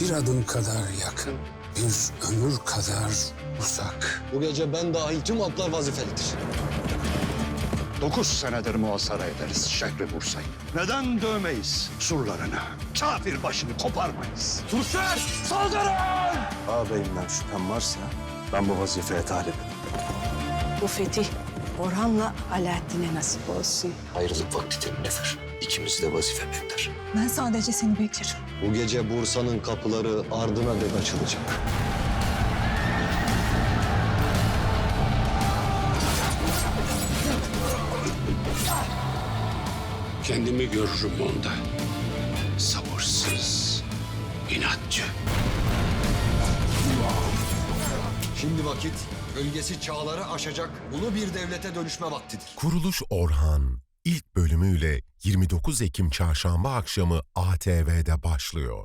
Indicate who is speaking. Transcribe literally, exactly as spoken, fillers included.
Speaker 1: bir adım kadar yakın, bir ömür kadar uzak.
Speaker 2: Bu gece ben dahil tüm atlar vazifelidir.
Speaker 3: Dokuz senedir muhasara ederiz şehri Bursa'yı. Neden dövmeyiz surlarını? Kafir başını koparmayız.
Speaker 2: Türkler saldırın!
Speaker 4: Ağabeyimden şüphem varsa ben bu vazifeye talibim.
Speaker 5: Bu fetih Orhan'la Alaaddin'e nasip olsun.
Speaker 6: Ayrılık vaktidir Nefer. İkimiz de vazife bekler.
Speaker 7: Ben sadece seni beklerim.
Speaker 2: Bu gece Bursa'nın kapıları ardına dek açılacak.
Speaker 1: Kendimi görürüm onda. Sabırsız, inatçı.
Speaker 2: Şimdi vakit gölgesi çağları aşacak ulu bir devlete dönüşme vaktidir.
Speaker 8: Kuruluş Orhan ilk bölümüyle yirmi dokuz Ekim Çarşamba akşamı A T V'de başlıyor.